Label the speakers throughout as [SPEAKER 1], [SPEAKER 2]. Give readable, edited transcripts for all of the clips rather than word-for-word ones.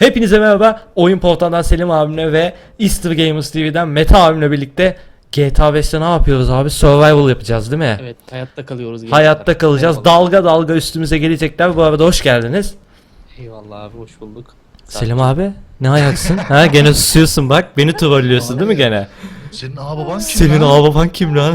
[SPEAKER 1] Hepinize merhaba. Oyun Portal'dan Selim abimle ve Easter Gamers TV'den Mete abimle birlikte GTA 5'te ne yapıyoruz abi? Survival yapacağız değil mi?
[SPEAKER 2] Evet, hayatta kalıyoruz.
[SPEAKER 1] Hayatta kalacağız.
[SPEAKER 2] Eyvallah.
[SPEAKER 1] Dalga dalga üstümüze gelecekler. Bu arada hoş geldiniz.
[SPEAKER 2] Eyvallah abi, hoş bulduk.
[SPEAKER 1] Selim abi ne ayaksın? Ha gene susuyorsun bak. Beni trollüyorsun değil mi gene?
[SPEAKER 3] Senin ağababan kim
[SPEAKER 1] Senin
[SPEAKER 3] lan?
[SPEAKER 1] ağababan kim lan?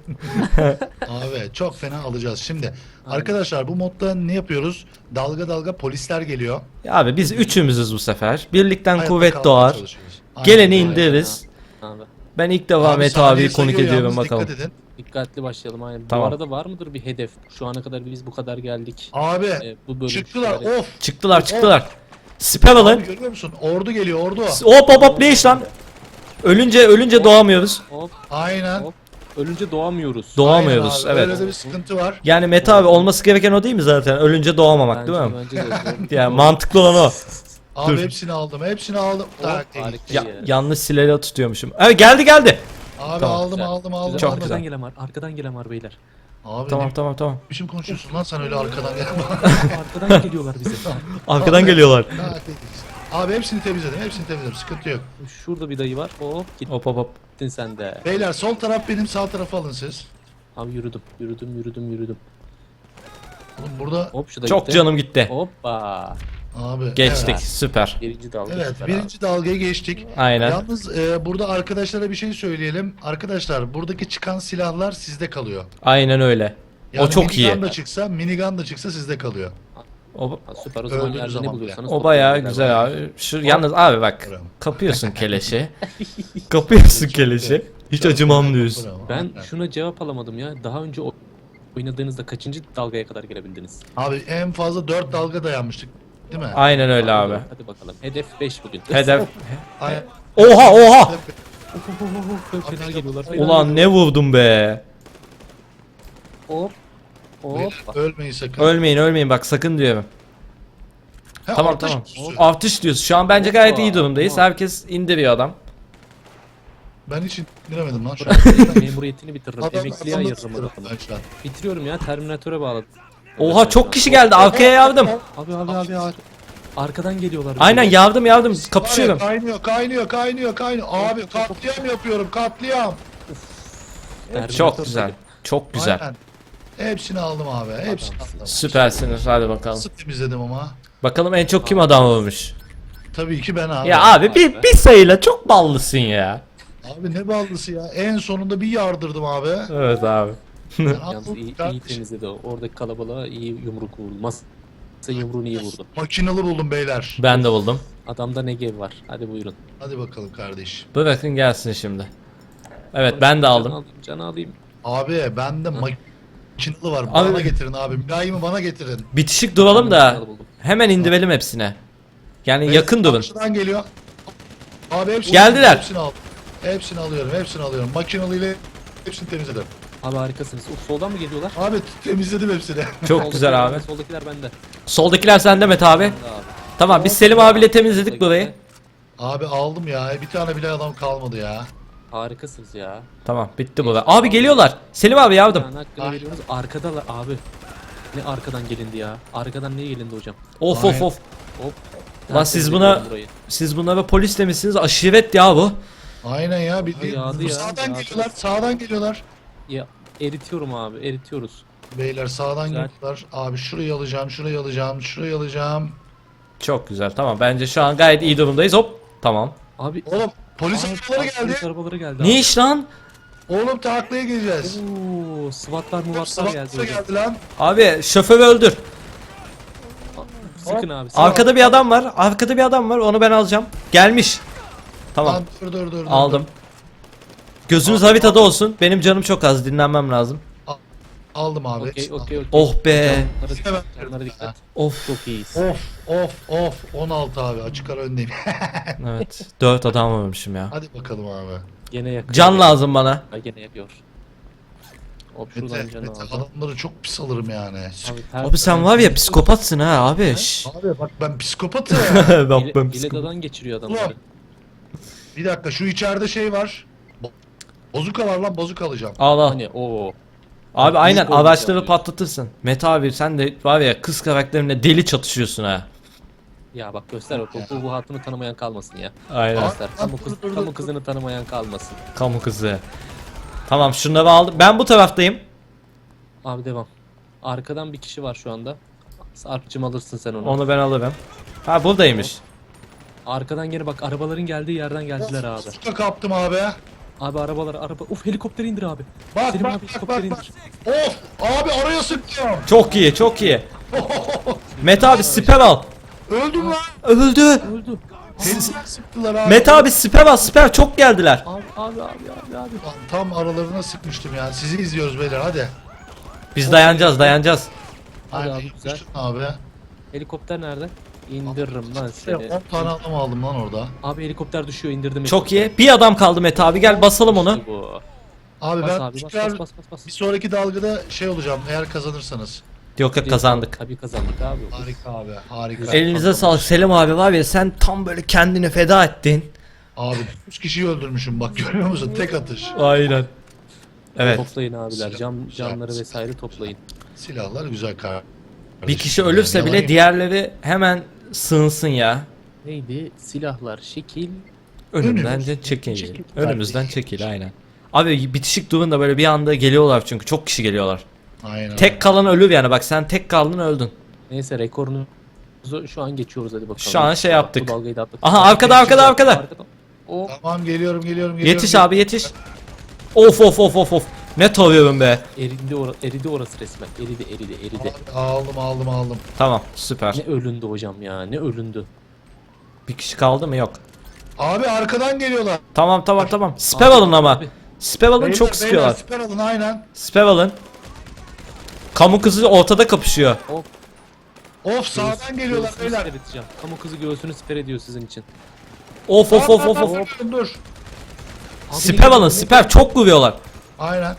[SPEAKER 3] Abi çok fena alacağız. Şimdi arkadaşlar bu modda ne yapıyoruz? Dalga dalga polisler geliyor.
[SPEAKER 1] Abi biz üçümüzüz bu sefer. Birlikten
[SPEAKER 3] Hayatta
[SPEAKER 1] kuvvet
[SPEAKER 3] kalmaya
[SPEAKER 1] doğar.
[SPEAKER 3] çalışıyoruz. Aynen
[SPEAKER 1] Geleni
[SPEAKER 3] öyle.
[SPEAKER 1] indiririz.
[SPEAKER 2] Abi,
[SPEAKER 1] Ben ilk defa
[SPEAKER 3] Abi
[SPEAKER 1] Mete
[SPEAKER 3] saniye
[SPEAKER 1] abiyi konuk
[SPEAKER 3] sayıyor
[SPEAKER 1] ediyorum
[SPEAKER 3] yalnız,
[SPEAKER 1] bakalım.
[SPEAKER 3] dikkat edin.
[SPEAKER 2] dikkatli başlayalım. Aynen.
[SPEAKER 1] Tamam.
[SPEAKER 2] Bu arada var mıdır bir hedef? Şu ana kadar biz bu kadar geldik.
[SPEAKER 3] Abi
[SPEAKER 2] Bu bölüm
[SPEAKER 3] çıktılar
[SPEAKER 2] şöyle-
[SPEAKER 3] of.
[SPEAKER 1] Çıktılar. Siper alın.
[SPEAKER 3] Abi görüyor musun? Ordu geliyor ordu.
[SPEAKER 1] Hop ne iş lan? Ölünce doğamıyoruz.
[SPEAKER 2] Hop
[SPEAKER 3] Aynen.
[SPEAKER 2] hop. Ölünce doğamıyoruz.
[SPEAKER 1] Doğamıyoruz,
[SPEAKER 3] Aynen abi,
[SPEAKER 1] evet.
[SPEAKER 3] Öyle de bir sıkıntı var.
[SPEAKER 1] Yani Mete abi olması gereken o değil mi zaten? Ölünce doğamamak değil mi?
[SPEAKER 2] Bence de doğru.
[SPEAKER 1] Yani mantıklı olan o.
[SPEAKER 3] Abi
[SPEAKER 1] Dur.
[SPEAKER 3] hepsini aldım. Hepsini aldım. Tak,
[SPEAKER 2] harika.
[SPEAKER 1] Ya,
[SPEAKER 2] Ya.
[SPEAKER 1] yanlış silahla tutuyormuşum. Evet geldi.
[SPEAKER 3] Abi
[SPEAKER 1] Tamam.
[SPEAKER 3] aldım
[SPEAKER 2] Güzel.
[SPEAKER 3] aldım aldım.
[SPEAKER 1] Çok
[SPEAKER 3] aldım.
[SPEAKER 1] güzel.
[SPEAKER 2] Arkadan gelen var beyler.
[SPEAKER 3] Abi
[SPEAKER 1] Tamam.
[SPEAKER 3] ne biçim konuşuyorsun lan sen öyle arkadan gel.
[SPEAKER 2] Arkadan geliyorlar bize.
[SPEAKER 1] Arkadan
[SPEAKER 3] Abi,
[SPEAKER 1] geliyorlar.
[SPEAKER 3] Abi hepsini temizledim. Hepsini temizledim. Sıkıntı yok.
[SPEAKER 2] Şurada bir dayı var. Hop
[SPEAKER 1] Hop.
[SPEAKER 2] gittin sen de.
[SPEAKER 3] Beyler sol taraf benim, sağ tarafı alın siz.
[SPEAKER 2] Abi yürüdüm.
[SPEAKER 3] Oğlum burada
[SPEAKER 2] Hop şu da
[SPEAKER 1] Çok
[SPEAKER 2] gitti.
[SPEAKER 1] canım gitti.
[SPEAKER 2] Hoppa.
[SPEAKER 3] abi
[SPEAKER 1] Geçtik.
[SPEAKER 3] Evet,
[SPEAKER 1] Süper.
[SPEAKER 2] Birinci dalga.
[SPEAKER 3] evet
[SPEAKER 2] süper abi.
[SPEAKER 3] birinci dalgaya geçtik.
[SPEAKER 1] Aynen.
[SPEAKER 3] Yalnız burada arkadaşlara bir şey söyleyelim. Arkadaşlar buradaki çıkan silahlar sizde kalıyor.
[SPEAKER 1] Aynen öyle. O çok iyi.
[SPEAKER 3] Minigun da çıksa sizde kalıyor.
[SPEAKER 1] O,
[SPEAKER 2] Ha, süper, o zaman
[SPEAKER 3] Öldüğü
[SPEAKER 2] yerde
[SPEAKER 3] zaman
[SPEAKER 2] ne buluyorsanız
[SPEAKER 1] o bayağı
[SPEAKER 2] toplayın
[SPEAKER 1] güzel
[SPEAKER 2] beyler.
[SPEAKER 1] abi. Şu yalnız abi bak.
[SPEAKER 3] Bravo.
[SPEAKER 1] Kapıyorsun keleşi. Kapıyorsun keleşi. Hiç
[SPEAKER 3] Çok
[SPEAKER 1] acımam
[SPEAKER 3] güzel,
[SPEAKER 1] diyorsun.
[SPEAKER 3] bravo.
[SPEAKER 2] Ben
[SPEAKER 3] Aynen.
[SPEAKER 2] şuna cevap alamadım ya. Daha önce oynadığınızda kaçıncı dalgaya kadar gelebildiniz?
[SPEAKER 3] Abi en fazla 4 dalga dayanmıştık. Değil mi?
[SPEAKER 1] Aynen öyle abi.
[SPEAKER 2] Hadi bakalım. Hedef 5 bugün.
[SPEAKER 1] Hedef.
[SPEAKER 3] Aynen.
[SPEAKER 1] Oha.
[SPEAKER 2] Fena geliyorlar.
[SPEAKER 1] Ulan ne vurdum be.
[SPEAKER 2] Hop. Hop.
[SPEAKER 3] Ölmeyin sakın.
[SPEAKER 1] Ölmeyin bak sakın diyorum.
[SPEAKER 3] Ha,
[SPEAKER 1] Tamam
[SPEAKER 3] ateş
[SPEAKER 1] tamam.
[SPEAKER 3] kutusu.
[SPEAKER 1] Artış diyorsun. Şu an bence gayet iyi durumdayız.
[SPEAKER 2] Tamam.
[SPEAKER 1] Herkes indiriyor adam.
[SPEAKER 3] Ben hiç indiremedim lan şu an.
[SPEAKER 2] Memuriyetini bitiririm. Emekliye ayırırım adamı.
[SPEAKER 3] Ben şu an.
[SPEAKER 2] Bitiriyorum ya. Terminatöre bağladım.
[SPEAKER 1] Oha
[SPEAKER 2] Evet,
[SPEAKER 1] çok
[SPEAKER 2] evet.
[SPEAKER 1] kişi geldi. Arkaya yardım.
[SPEAKER 2] Abi. Arkadan geliyorlar.
[SPEAKER 1] Aynen yardım. Kapışıyorum.
[SPEAKER 3] Kaynıyor. Abi katliam yapıyorum katliam.
[SPEAKER 1] Çok güzel. Çok güzel.
[SPEAKER 3] Aynen. Hepsini aldım abi. Hepsini aldım.
[SPEAKER 1] Süpersiniz. Hadi bakalım.
[SPEAKER 3] Nasıl temizledim ama?
[SPEAKER 1] Bakalım en çok kim adam vurmuş.
[SPEAKER 3] Tabii ki ben abi.
[SPEAKER 1] Ya abi bir sayıyla çok ballısın ya.
[SPEAKER 3] Abi ne ballısı ya. En sonunda bir yardırdım abi.
[SPEAKER 1] Evet abi.
[SPEAKER 2] Yalnız iyi temizledi o. Oradaki kalabalığa iyi yumruk vurulmaz. Yumruğunu iyi vurdu.
[SPEAKER 3] Makinalı buldum beyler.
[SPEAKER 1] Ben de buldum.
[SPEAKER 2] Adamda Negev var. Hadi buyurun.
[SPEAKER 3] Hadi bakalım kardeş.
[SPEAKER 1] Bırakın gelsin şimdi. Evet ben de aldım.
[SPEAKER 2] Canı alayım.
[SPEAKER 3] Abi bende makinalı var.
[SPEAKER 1] Abi-
[SPEAKER 3] Bana getirin abi. Mülayimi bana getirin.
[SPEAKER 1] Bitişik duralım da
[SPEAKER 2] Makinalı buldum.
[SPEAKER 1] hemen indirelim hepsine. Yani
[SPEAKER 3] Evet,
[SPEAKER 1] yakın durun.
[SPEAKER 3] karşıdan geliyor. Abi hepsini
[SPEAKER 1] Geldiler.
[SPEAKER 3] Hepsini aldım. Hepsini alıyorum. Makinalı ile hepsini temizledim.
[SPEAKER 2] Abi harikasınız. Soldan mı geliyorlar?
[SPEAKER 3] Abi temizledim hepsini.
[SPEAKER 1] Çok güzel abi.
[SPEAKER 2] Soldakiler bende.
[SPEAKER 1] Soldakiler sende Mete abi.
[SPEAKER 2] Bende abi.
[SPEAKER 1] Tamam biz Selim abiyle temizledik burayı.
[SPEAKER 3] Abi aldım ya. Bir tane bile adam kalmadı ya.
[SPEAKER 2] Harikasınız ya.
[SPEAKER 1] Tamam bitti bu. Abi geliyorlar. Selim abi yardım.
[SPEAKER 2] Yani hakkını veriyoruz. Arkadalar abi. Ne arkadan gelindi ya? Arkadan niye gelindi hocam?
[SPEAKER 1] Of.
[SPEAKER 3] Aynen.
[SPEAKER 2] Hop.
[SPEAKER 1] Lan siz
[SPEAKER 2] Tertemiz
[SPEAKER 1] buna-
[SPEAKER 2] ediyorum burayı.
[SPEAKER 1] Siz bunlara polis demişsiniz. Aşiret ya bu.
[SPEAKER 3] Aynen ya. Bir
[SPEAKER 2] Yağdı ya,
[SPEAKER 3] sağdan
[SPEAKER 2] yağdı.
[SPEAKER 3] geliyorlar. Sağdan geliyorlar.
[SPEAKER 2] Ya eritiyorum abi. Eritiyoruz.
[SPEAKER 3] Beyler sağdan
[SPEAKER 2] Güzel.
[SPEAKER 3] geliyorlar. Abi şurayı alacağım.
[SPEAKER 1] Çok güzel. Tamam bence şu an gayet iyi durumdayız. Hop. Tamam.
[SPEAKER 2] Abi
[SPEAKER 3] Oğlum polis arabaları geldi.
[SPEAKER 2] Polis arabaları geldi.
[SPEAKER 1] Ne iş lan?
[SPEAKER 3] Oğlum taklaya geleceğiz.
[SPEAKER 2] Oo, SWAT'lar muvatlar geldi
[SPEAKER 3] Sıvatlı
[SPEAKER 2] hocam.
[SPEAKER 3] geldi lan.
[SPEAKER 1] Abi şoförü öldür.
[SPEAKER 2] Sıkın abi.
[SPEAKER 1] Arkada bir adam var. Onu ben alacağım. Gelmiş. Tamam.
[SPEAKER 3] Lan dur.
[SPEAKER 1] Aldım. Gözünüz haritada olsun. Benim canım çok az. Dinlenmem lazım.
[SPEAKER 3] Aldım abi.
[SPEAKER 2] Okey.
[SPEAKER 1] Oh be.
[SPEAKER 2] Canlara dikkat.
[SPEAKER 1] Of.
[SPEAKER 2] Çok iyiyiz.
[SPEAKER 3] Of 16 abi açık ara öndeyim.
[SPEAKER 1] Evet. 4 adam vurmuşum ya.
[SPEAKER 3] Hadi bakalım abi.
[SPEAKER 2] Gene yakıyor.
[SPEAKER 1] Can lazım bana.
[SPEAKER 2] Ha, gene yakıyor. Hop şuradan
[SPEAKER 3] Mete,
[SPEAKER 2] canı
[SPEAKER 3] Mete
[SPEAKER 2] aldım.
[SPEAKER 3] adamları çok pis alırım yani.
[SPEAKER 1] Abi sen var ya psikopatsın ha abi. Şşş.
[SPEAKER 3] Abi bak ben psikopatım.
[SPEAKER 1] Ben
[SPEAKER 2] İledadan geçiriyor adamları.
[SPEAKER 3] Bir dakika şu içeride şey var. Bozuka var lan bozuk alacağım.
[SPEAKER 1] Al.
[SPEAKER 2] Hani o.
[SPEAKER 1] Abi aynen
[SPEAKER 2] Biz de olacağız
[SPEAKER 1] araçları
[SPEAKER 2] diyorsun.
[SPEAKER 1] patlatırsın. Mete abi sen de var ya kız karakterinle deli çatışıyorsun ha.
[SPEAKER 2] Ya bak göster bak bu hatunu tanımayan kalmasın ya.
[SPEAKER 1] Aynen.
[SPEAKER 2] Göster.
[SPEAKER 3] Dur, dur,
[SPEAKER 2] Kamu
[SPEAKER 3] dur.
[SPEAKER 2] kızını tanımayan kalmasın.
[SPEAKER 1] Kamu kızı. Tamam şunları aldım. Ben bu taraftayım.
[SPEAKER 2] Abi devam. Arkadan bir kişi var şu anda. Sarp'cım alırsın sen onu.
[SPEAKER 1] Onu ben alırım. Ha buradaymış.
[SPEAKER 2] Arkadan gene bak arabaların geldiği yerden geldiler abi.
[SPEAKER 3] Sıkı kaptım abi.
[SPEAKER 2] Abi araba. Uf helikopteri indir abi.
[SPEAKER 3] Bak
[SPEAKER 2] Selim
[SPEAKER 3] bak
[SPEAKER 2] abi
[SPEAKER 3] bak
[SPEAKER 2] helikopteri
[SPEAKER 3] bak.
[SPEAKER 2] indir.
[SPEAKER 3] Of abi araya sıkıyorum.
[SPEAKER 1] Çok iyi çok iyi. Mete abi siper al.
[SPEAKER 3] Öldüm lan.
[SPEAKER 1] Öldü.
[SPEAKER 2] Öldü.
[SPEAKER 3] Tenzil sıktılar abi.
[SPEAKER 1] Mete abi siper al siper çok geldiler.
[SPEAKER 2] Abi.
[SPEAKER 3] Lan tam aralarına sıkmıştım ya. Sizi izliyoruz beyler hadi.
[SPEAKER 1] Biz dayanacağız.
[SPEAKER 2] Hadi
[SPEAKER 3] Aynen,
[SPEAKER 2] abi, güzel.
[SPEAKER 3] yapıştın abi.
[SPEAKER 2] Helikopter nerede? İndiririm lan seni.
[SPEAKER 3] 10 tane adam aldım lan orada.
[SPEAKER 2] Abi helikopter düşüyor indirdim.
[SPEAKER 1] Çok
[SPEAKER 2] helikopteri.
[SPEAKER 1] iyi. Bir adam kaldı Mete abi gel basalım onu.
[SPEAKER 2] İşte bu.
[SPEAKER 3] Abi
[SPEAKER 2] Bas
[SPEAKER 3] ben
[SPEAKER 2] abi
[SPEAKER 3] tekrar
[SPEAKER 2] bas.
[SPEAKER 3] bir sonraki dalgada şey olacağım eğer kazanırsanız.
[SPEAKER 1] Yok yok kazandık.
[SPEAKER 2] Tabii kazandık abi.
[SPEAKER 3] Harika abi harika.
[SPEAKER 1] Elinize sağlık Selim abi var ya sen tam böyle kendini feda ettin.
[SPEAKER 3] Abi 3 kişiyi öldürmüşüm bak görüyor musun tek atış.
[SPEAKER 1] Aynen. Evet.
[SPEAKER 2] Toplayın abiler.
[SPEAKER 3] Silah-
[SPEAKER 2] Canları
[SPEAKER 3] silah-
[SPEAKER 2] vesaire toplayın.
[SPEAKER 3] Silahlar güzel kar.
[SPEAKER 1] Bir kişi ölürse bile diğerleri hemen sığınsın ya.
[SPEAKER 2] Neydi? Silahlar, şekil.
[SPEAKER 1] Önümden
[SPEAKER 3] Önümüz.
[SPEAKER 1] de çekil.
[SPEAKER 3] Çekil.
[SPEAKER 1] Önümüzden çekil aynen. Abi bitişik durun böyle bir anda geliyorlar çünkü çok kişi geliyorlar.
[SPEAKER 3] Aynen.
[SPEAKER 1] Tek kalan ölür yani bak sen tek kaldın öldün.
[SPEAKER 2] Neyse rekorunu şu an geçiyoruz hadi bakalım.
[SPEAKER 1] Şu an şey yaptık.
[SPEAKER 2] Bu dalgayı da atladık.
[SPEAKER 1] Aha arkada.
[SPEAKER 2] O
[SPEAKER 3] Tamam geliyorum.
[SPEAKER 1] Yetiş abi yetiş. Of. Ne tavuyorum be.
[SPEAKER 2] eridi orası resmen. Eridi.
[SPEAKER 3] Abi, aldım.
[SPEAKER 1] Tamam süper.
[SPEAKER 2] Ne ölündü hocam ya. Ne ölündü.
[SPEAKER 1] Bir kişi kaldı mı yok.
[SPEAKER 3] Abi arkadan geliyorlar.
[SPEAKER 1] Tamam. Siper alın ama.
[SPEAKER 2] Abi.
[SPEAKER 1] Siper alın
[SPEAKER 3] Beyler,
[SPEAKER 1] çok
[SPEAKER 3] beyler,
[SPEAKER 1] sıkıyorlar.
[SPEAKER 3] Siper alın aynen.
[SPEAKER 1] Siper alın. Kamu kızı ortada kapışıyor.
[SPEAKER 3] Of sağdan geliyorlar
[SPEAKER 2] Göğsünü
[SPEAKER 3] beyler.
[SPEAKER 2] siper edeceğim. Kamu kızı göğsünü siper ediyor sizin için.
[SPEAKER 1] Of.
[SPEAKER 3] Dur.
[SPEAKER 2] Abi
[SPEAKER 1] Siper
[SPEAKER 2] ne-
[SPEAKER 1] alın siper çok vuruyorlar.
[SPEAKER 3] Aynen.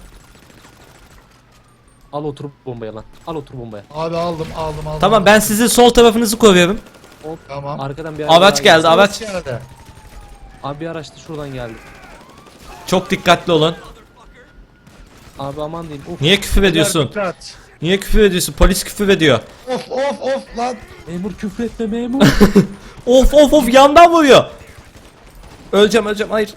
[SPEAKER 2] Al otur bombaya lan. Al otur bombaya.
[SPEAKER 3] Abi aldım.
[SPEAKER 1] Tamam ben sizin sol tarafınızı koruyorum.
[SPEAKER 2] Hop.
[SPEAKER 3] Tamam.
[SPEAKER 2] Arkadan bir
[SPEAKER 1] Araç
[SPEAKER 2] daha
[SPEAKER 1] geldi, araç.
[SPEAKER 3] Geldi.
[SPEAKER 2] Abi bir araç da şuradan geldi.
[SPEAKER 1] Çok dikkatli olun.
[SPEAKER 2] Abi aman diyeyim. Of.
[SPEAKER 1] Niye küfür ediyorsun?
[SPEAKER 3] Dikkat.
[SPEAKER 1] Niye küfür ediyorsun? Polis küfür ediyor.
[SPEAKER 3] Of lan.
[SPEAKER 2] Memur küfür etme memur.
[SPEAKER 1] Of yandan vuruyor. Öleceğim hayır.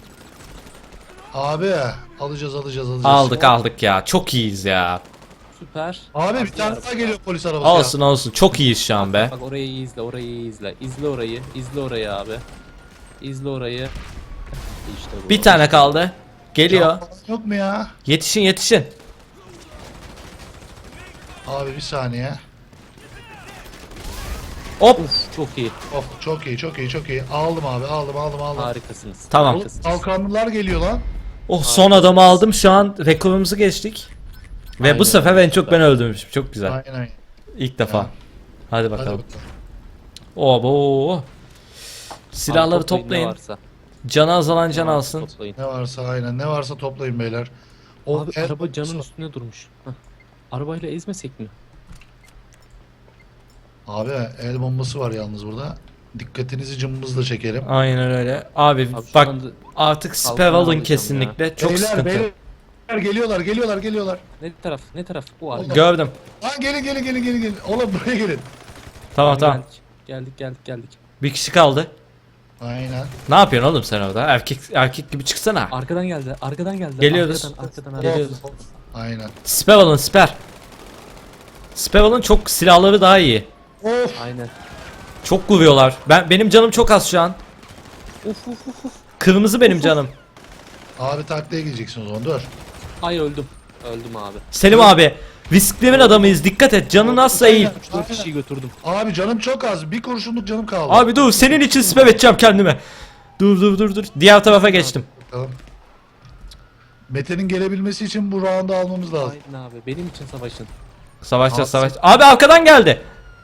[SPEAKER 3] Abi alacağız.
[SPEAKER 1] Aldık ya. Çok iyiyiz ya.
[SPEAKER 2] Süper.
[SPEAKER 3] Abi bir tane daha geliyor polis arabası.
[SPEAKER 1] Olsun. Çok iyiyiz şu an be.
[SPEAKER 2] Bak orayı iyi izle, orayı iyi izle. İzle orayı abi. İzle orayı. İşte bu.
[SPEAKER 1] Bir tane kaldı. Geliyor.
[SPEAKER 3] Yok mu ya?
[SPEAKER 1] Yetişin.
[SPEAKER 3] Abi bir saniye.
[SPEAKER 1] Hop.
[SPEAKER 2] Uf, çok iyi.
[SPEAKER 3] Of çok iyi. Aldım abi aldım.
[SPEAKER 2] Harikasınız.
[SPEAKER 1] Tamam.
[SPEAKER 2] Harikasınız.
[SPEAKER 3] Kalkanlılar geliyor lan.
[SPEAKER 1] Oh son adamı aldım. Şu an rekorumuzu geçtik. Ve
[SPEAKER 2] Aynen.
[SPEAKER 1] bu sefer en çok ben öldürmüşüm. Çok güzel.
[SPEAKER 3] Aynen.
[SPEAKER 1] İlk defa.
[SPEAKER 3] Ya.
[SPEAKER 1] Hadi
[SPEAKER 3] Hadi
[SPEAKER 1] bakalım.
[SPEAKER 3] bakalım.
[SPEAKER 1] Obo. Silahları
[SPEAKER 2] Abi toplayın ne
[SPEAKER 1] toplayın.
[SPEAKER 2] varsa.
[SPEAKER 1] Canı azalan can
[SPEAKER 2] Ne varsa
[SPEAKER 1] alsın.
[SPEAKER 2] Toplayın.
[SPEAKER 3] Ne varsa aynen. Ne varsa toplayın beyler. O
[SPEAKER 2] Abi
[SPEAKER 3] el-
[SPEAKER 2] araba canın üstünde durmuş. Hah. Arabayla ezmesek mi?
[SPEAKER 3] Abi el bombası var yalnız burada. Dikkatinizi cımbızla çekelim.
[SPEAKER 1] Aynen öyle. Abi,
[SPEAKER 2] Abi şu
[SPEAKER 1] bak
[SPEAKER 2] anda
[SPEAKER 1] artık siper
[SPEAKER 2] kalkanı
[SPEAKER 1] alın
[SPEAKER 2] alacağım
[SPEAKER 1] kesinlikle. Çok
[SPEAKER 3] beyler,
[SPEAKER 1] sıkıntı.
[SPEAKER 3] beyler geliyorlar.
[SPEAKER 2] ne taraf? O
[SPEAKER 1] Gördüm.
[SPEAKER 3] Lan gelin. Oğlum buraya gelin.
[SPEAKER 1] Tamam.
[SPEAKER 2] Geldik.
[SPEAKER 1] Bir kişi kaldı.
[SPEAKER 3] Aynen.
[SPEAKER 1] Ne yapıyorsun oğlum sen orada? Erkek gibi çıksana.
[SPEAKER 2] Arkadan geldi.
[SPEAKER 1] Geliyoruz.
[SPEAKER 2] Arkadan.
[SPEAKER 1] Geliyoruz.
[SPEAKER 3] Aynen.
[SPEAKER 1] Siper alın siper. Siper alın çok silahları daha iyi.
[SPEAKER 3] Of.
[SPEAKER 2] Aynen.
[SPEAKER 1] Çok vuruyorlar. Benim canım çok az şu an.
[SPEAKER 2] Uf.
[SPEAKER 1] Kırmızı benim canım.
[SPEAKER 3] Abi taklaya gideceksin o zaman dur.
[SPEAKER 2] Ay öldüm. Öldüm abi.
[SPEAKER 1] Selim abi. Risklerin adamıyız. Dikkat et. Canın azsa eğil.
[SPEAKER 2] 4 kişiyi götürdüm.
[SPEAKER 3] Abi canım çok az. Bir kurşunluk canım kaldı.
[SPEAKER 1] Abi dur senin için siper edeceğim kendime. Dur. Diğer tarafa geçtim.
[SPEAKER 3] Bakalım. Mete'nin gelebilmesi için bu round'u almamız lazım.
[SPEAKER 2] Aynen abi. Benim için savaşın.
[SPEAKER 1] Savaş. Abi arkadan geldi.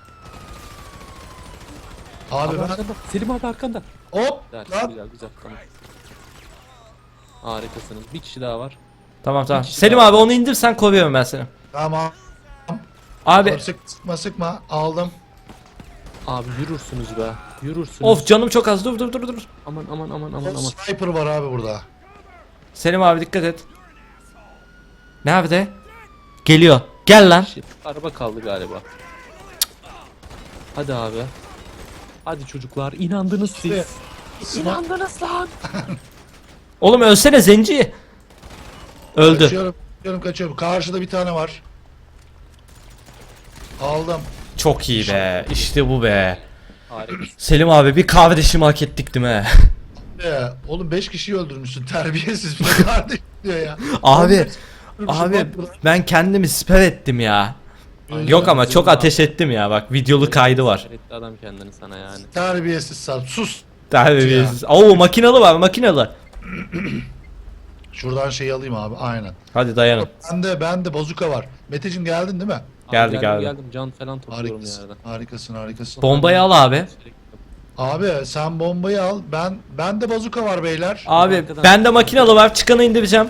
[SPEAKER 3] Abi ben...
[SPEAKER 2] Arkanda. Selim abi arkanda.
[SPEAKER 3] Hop! Lan!
[SPEAKER 2] Güzel. Tamam. Harikasınız. Bir kişi daha var.
[SPEAKER 1] Tamam.
[SPEAKER 2] Bir kişi
[SPEAKER 1] Selim
[SPEAKER 2] daha
[SPEAKER 1] abi
[SPEAKER 2] var.
[SPEAKER 1] onu indir sen koruyorum ben seni.
[SPEAKER 3] Tamam.
[SPEAKER 1] Abi
[SPEAKER 3] Sıkma. Aldım.
[SPEAKER 2] Abi yürürsünüz be. Yürürsünüz.
[SPEAKER 1] of canım çok az. Dur.
[SPEAKER 2] Aman.
[SPEAKER 3] Sniper var abi burada.
[SPEAKER 1] Selim abi dikkat et. Nerede? Geliyor. Gel lan.
[SPEAKER 2] Araba kaldı galiba. Hadi abi. Hadi çocuklar, inandınız siz. İnandınız lan.
[SPEAKER 1] Oğlum ölsene zenci. Öldü.
[SPEAKER 3] Kaçıyorum. Karşıda bir tane var. Aldım.
[SPEAKER 1] Çok iyi be. İşte bu be.
[SPEAKER 2] Harika.
[SPEAKER 1] Selim abi bir kardeşimi hak ettik değil mi?
[SPEAKER 3] Oğlum 5 kişiyi öldürmüşsün. Terbiyesiz bir de kardeş diyor ya.
[SPEAKER 1] Abi
[SPEAKER 3] Bak
[SPEAKER 1] abi
[SPEAKER 3] burada.
[SPEAKER 1] ben kendimi siper ettim ya.
[SPEAKER 3] Aynen.
[SPEAKER 1] Yok ama çok
[SPEAKER 2] Selim
[SPEAKER 1] ateş ettim ya, bak videolu kaydı var.
[SPEAKER 2] Etti adam kendini sana yani.
[SPEAKER 3] Terbiyesiz sap. Sus.
[SPEAKER 1] Terbiyesiz. Oo makinalı var, makinalı.
[SPEAKER 3] Şuradan şeyi alayım abi. Aynen.
[SPEAKER 1] Hadi dayanın.
[SPEAKER 3] Bende bazuka var. Meteciğim geldin değil mi?
[SPEAKER 1] Geldi,
[SPEAKER 2] Abi
[SPEAKER 1] geldi.
[SPEAKER 2] geldim. Can falan topluyorum
[SPEAKER 3] Harikasın.
[SPEAKER 2] yerden.
[SPEAKER 3] Harikasın.
[SPEAKER 1] Bombayı al abi.
[SPEAKER 3] Abi sen bombayı al. Bende bazuka var beyler.
[SPEAKER 1] Abi
[SPEAKER 2] Arkadan-
[SPEAKER 1] bende makinalı var, çıkanı indireceğim.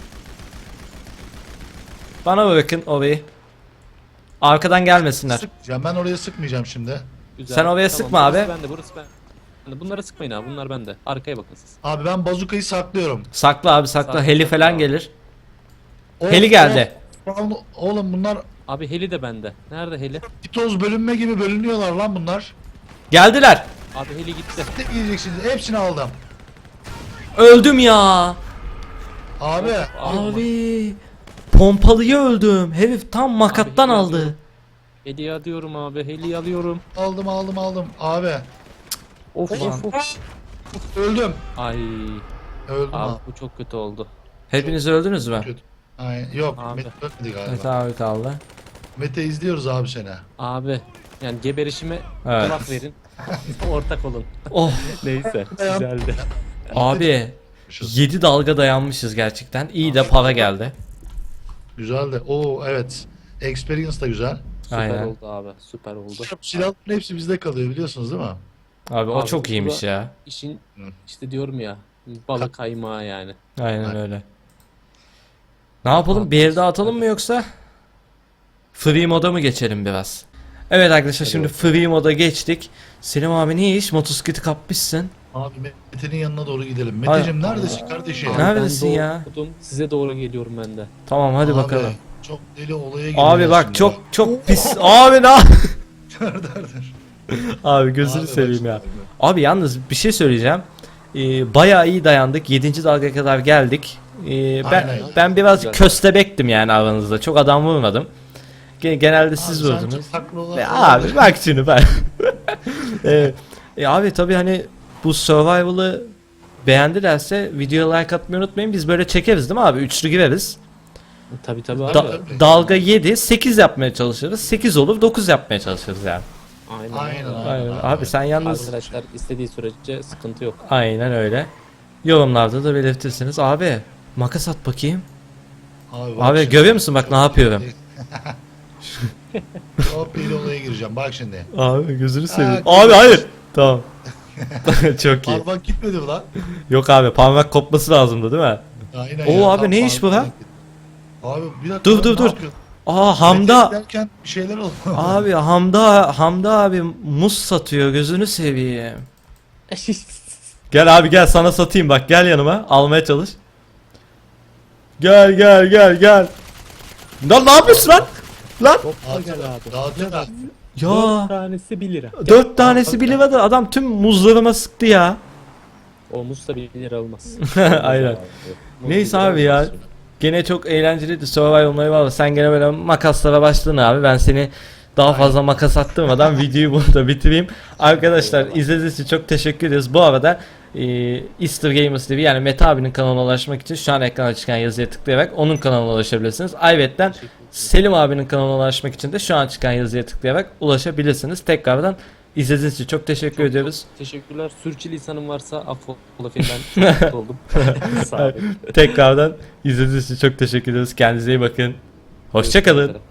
[SPEAKER 1] Bana bırakın orayı. Arkadan gelmesinler.
[SPEAKER 3] Sıkmayacağım. Ben oraya sıkmayacağım şimdi.
[SPEAKER 2] Güzel.
[SPEAKER 1] Sen oraya sıkma
[SPEAKER 2] burası
[SPEAKER 1] abi.
[SPEAKER 2] Bende, burası bende. Bunlara sıkmayın abi. Bunlar bende. Arkaya bakın siz.
[SPEAKER 3] Abi ben bazukayı saklıyorum.
[SPEAKER 1] Sakla abi, sakla.
[SPEAKER 2] Sakla,
[SPEAKER 1] Heli
[SPEAKER 2] sakla
[SPEAKER 1] falan
[SPEAKER 2] abi.
[SPEAKER 1] gelir.
[SPEAKER 3] Of,
[SPEAKER 1] Heli geldi.
[SPEAKER 3] of. Oğlum bunlar
[SPEAKER 2] Abi heli de bende. Nerede heli?
[SPEAKER 3] pitoz bölünme gibi bölünüyorlar lan bunlar.
[SPEAKER 1] Geldiler.
[SPEAKER 2] Abi heli gitti.
[SPEAKER 3] Ne yiyeceksiniz? Hepsini aldım.
[SPEAKER 1] Öldüm ya.
[SPEAKER 3] Abi.
[SPEAKER 1] Abi pompalıyı öldüm. Herif tam makattan
[SPEAKER 2] Abi,
[SPEAKER 1] aldı.
[SPEAKER 2] Heli alıyorum abi. Heli alıyorum.
[SPEAKER 3] Aldım. Abi.
[SPEAKER 2] Of
[SPEAKER 1] Ulan.
[SPEAKER 2] of.
[SPEAKER 3] Öldüm.
[SPEAKER 2] Ay.
[SPEAKER 3] Öldüm
[SPEAKER 2] Abi
[SPEAKER 3] abi.
[SPEAKER 2] bu çok kötü oldu.
[SPEAKER 1] Hepiniz öldünüz mü?
[SPEAKER 3] Kötü. Aynen. Yok.
[SPEAKER 2] Abi.
[SPEAKER 3] Mete ölmedi galiba.
[SPEAKER 1] Evet abi kaldı.
[SPEAKER 3] Mete izliyoruz abi seni.
[SPEAKER 2] Abi. Yani geberişime
[SPEAKER 1] Evet.
[SPEAKER 2] kulak verin. Ortak olun.
[SPEAKER 1] Oh
[SPEAKER 2] Neyse.
[SPEAKER 3] Dayan.
[SPEAKER 2] Güzeldi.
[SPEAKER 1] abi 7 dalga dayanmışız gerçekten. İyi de para geldi.
[SPEAKER 3] Güzel de. Oo evet. Experience da güzel.
[SPEAKER 2] Süper
[SPEAKER 1] Aynen.
[SPEAKER 2] oldu abi. Süper oldu.
[SPEAKER 3] Silahların hepsi bizde kalıyor biliyorsunuz değil mi?
[SPEAKER 1] Abi o
[SPEAKER 2] Abi,
[SPEAKER 1] çok iyiymiş
[SPEAKER 2] bu da-
[SPEAKER 1] ya.
[SPEAKER 2] İşin
[SPEAKER 3] Hı.
[SPEAKER 2] işte diyorum ya. Balık kaymağı yani.
[SPEAKER 1] Aynen öyle. Ne yapalım? Bir el daha atalım mı yoksa? Free moda mı geçelim biraz? Evet arkadaşlar, şimdi free moda geçtik. Selim abi ne iş? Motosikleti kapmışsın.
[SPEAKER 3] Abi Mete'nin yanına doğru gidelim.
[SPEAKER 1] Ay-
[SPEAKER 3] Meteciğim neredesin kardeşim?
[SPEAKER 2] Abi
[SPEAKER 1] Neredesin
[SPEAKER 2] ben
[SPEAKER 1] ya?
[SPEAKER 2] doğdum, size doğru geliyorum ben de.
[SPEAKER 1] Tamam hadi
[SPEAKER 3] Abi,
[SPEAKER 1] bakalım.
[SPEAKER 3] Çok deli olaya giriyor.
[SPEAKER 1] Abi bak
[SPEAKER 3] şimdi.
[SPEAKER 1] çok pis. Abi ne?
[SPEAKER 3] Dur.
[SPEAKER 1] Abi gözünü
[SPEAKER 3] Abi,
[SPEAKER 1] seveyim
[SPEAKER 3] bak
[SPEAKER 1] ya.
[SPEAKER 3] şimdi.
[SPEAKER 1] Abi yalnız bir şey söyleyeceğim. Bayağı iyi dayandık. 7. dalgaya kadar geldik. Ben
[SPEAKER 3] Aynen.
[SPEAKER 1] ben biraz
[SPEAKER 2] Güzel.
[SPEAKER 1] köstebektim yani aranızda. Çok adam vurmadım. Genelde siz
[SPEAKER 3] Abi sen
[SPEAKER 1] vurdunuz.
[SPEAKER 3] çok haklı olan-
[SPEAKER 1] Abi bak şimdi ben. Abi tabii hani bu survival'ı beğendilerse videoya like atmayı unutmayın. Biz böyle çekeriz değil mi abi? Üçlü gireriz.
[SPEAKER 2] Tabi tabi abi.
[SPEAKER 3] Tabii.
[SPEAKER 1] Dalga 7, 8 yapmaya çalışırız. 8 olur 9 yapmaya çalışırız yani.
[SPEAKER 2] Aynen.
[SPEAKER 1] Aynen. Abi sen yalnız
[SPEAKER 2] Arkadaşlar istediği sürece sıkıntı yok.
[SPEAKER 1] aynen öyle. Yorumlarda da belirtirsiniz. Abi makas at bakayım.
[SPEAKER 3] Abi, bak
[SPEAKER 1] Abi
[SPEAKER 3] şimdi.
[SPEAKER 1] görüyor musun bak ne yapıyorum?
[SPEAKER 3] Hop bir olaya gireceğim. Bak şimdi.
[SPEAKER 1] Abi gözünü seveyim.
[SPEAKER 3] Ha,
[SPEAKER 1] Abi hayır. Tamam. Çok iyi.
[SPEAKER 3] Parmak gitmedi mi lan?
[SPEAKER 1] Yok abi parmak kopması lazımdı değil mi?
[SPEAKER 3] Aynen
[SPEAKER 1] Oo
[SPEAKER 3] ya,
[SPEAKER 1] abi
[SPEAKER 3] tam
[SPEAKER 1] ne iş bu
[SPEAKER 3] parmak
[SPEAKER 1] lan?
[SPEAKER 3] gitti. Abi bir dakika.
[SPEAKER 1] Dur,
[SPEAKER 3] lan,
[SPEAKER 1] dur,
[SPEAKER 3] ne
[SPEAKER 1] dur.
[SPEAKER 3] yapıyorsun?
[SPEAKER 1] Aa Hamda.
[SPEAKER 3] Mete derken bir şeyler oldu.
[SPEAKER 1] Abi Hamda abi muz satıyor, gözünü seveyim. Gel abi gel, sana satayım, bak gel yanıma, almaya çalış. Gel. Lan ne yapıyorsun lan? Lan
[SPEAKER 3] Dağıtıyorlar.
[SPEAKER 1] ya
[SPEAKER 2] tanesi 1 lira.
[SPEAKER 1] 4 tanesi bile vardı, adam tüm muzlarıma sıktı ya.
[SPEAKER 2] Olmuş da 1 lira olmaz.
[SPEAKER 1] Aynen. Neyse abi ya. Gene çok eğlenceliydi survival olayı var. Sen gene böyle makaslara başladın abi. Ben seni daha fazla makas attırmadan videoyu burada bitireyim. Arkadaşlar izlediğiniz için çok teşekkür ederiz. Bu arada Easter Gamers TV yani Mete abinin kanalına ulaşmak için şu an ekrana çıkan yazıya tıklayarak onun kanalına ulaşabilirsiniz. Ayrıca Selim abinin kanalına ulaşmak için de şu an çıkan yazıya tıklayarak ulaşabilirsiniz. Tekrardan izlediğiniz için çok teşekkür ediyoruz.
[SPEAKER 2] Teşekkürler. Sürçülisanım varsa affola ben çok mutlu oldum. Sağ olun.
[SPEAKER 1] Tekrardan izlediğiniz için çok teşekkür ediyoruz. Kendinize iyi bakın. Hoşça kalın.